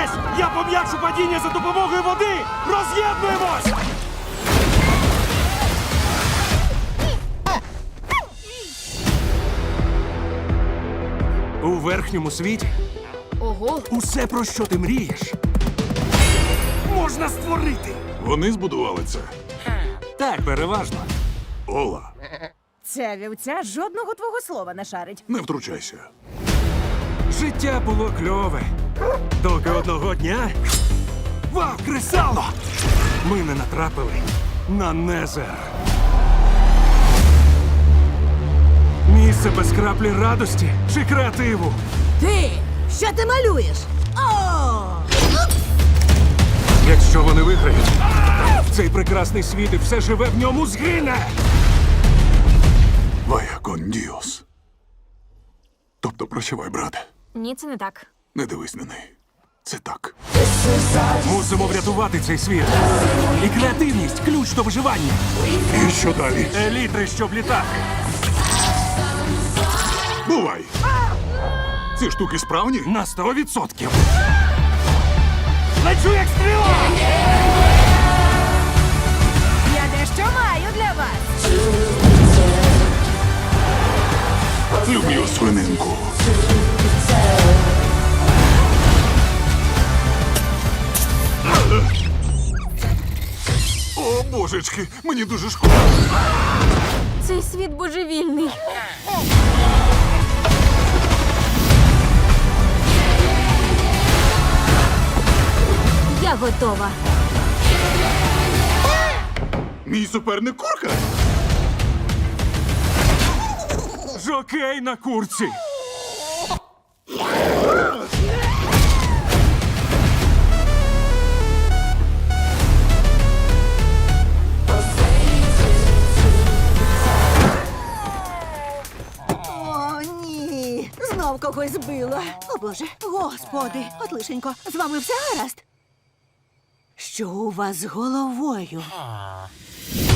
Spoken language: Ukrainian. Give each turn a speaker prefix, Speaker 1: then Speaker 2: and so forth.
Speaker 1: Тримайтесь! Я пом'якшу падіння за допомогою води! Роз'єднуємось! У верхньому світі
Speaker 2: Ого.
Speaker 1: усе, про що ти мрієш, можна створити.
Speaker 3: Вони збудували це.
Speaker 1: Так, переважно.
Speaker 3: Ола,
Speaker 4: Ця вівця жодного твого слова не шарить.
Speaker 3: не втручайся.
Speaker 1: Життя було кльове. Доки одного дня... Вау, кресало! Ми не натрапили на Незер. Місце без краплі радості чи креативу.
Speaker 4: Ти! Що ти малюєш? О!
Speaker 1: Якщо вони виграють, цей прекрасний світ і все живе в ньому згине.
Speaker 3: Вая кон діос. Тобто прощавай, брате.
Speaker 2: Ні, це не так.
Speaker 3: Не дивись на неї. Це так.
Speaker 1: Мусимо врятувати цей світ. І креативність – ключ до виживання.
Speaker 3: І що далі?
Speaker 1: Елітри, щоб літати.
Speaker 3: Бувай! Ці штуки справні?
Speaker 1: На 100%. Лечу як стріла!
Speaker 4: Я дещо маю для вас.
Speaker 3: Люблю свининку. О, божечки, мені дуже шкода.
Speaker 2: Цей світ божевільний. Я готова.
Speaker 3: Мій суперник курка?
Speaker 1: Жокей на курці.
Speaker 4: О, ні. Знов когось збила. О, Боже. Господи. От лишенько. З вами все гаразд? Що у вас з головою?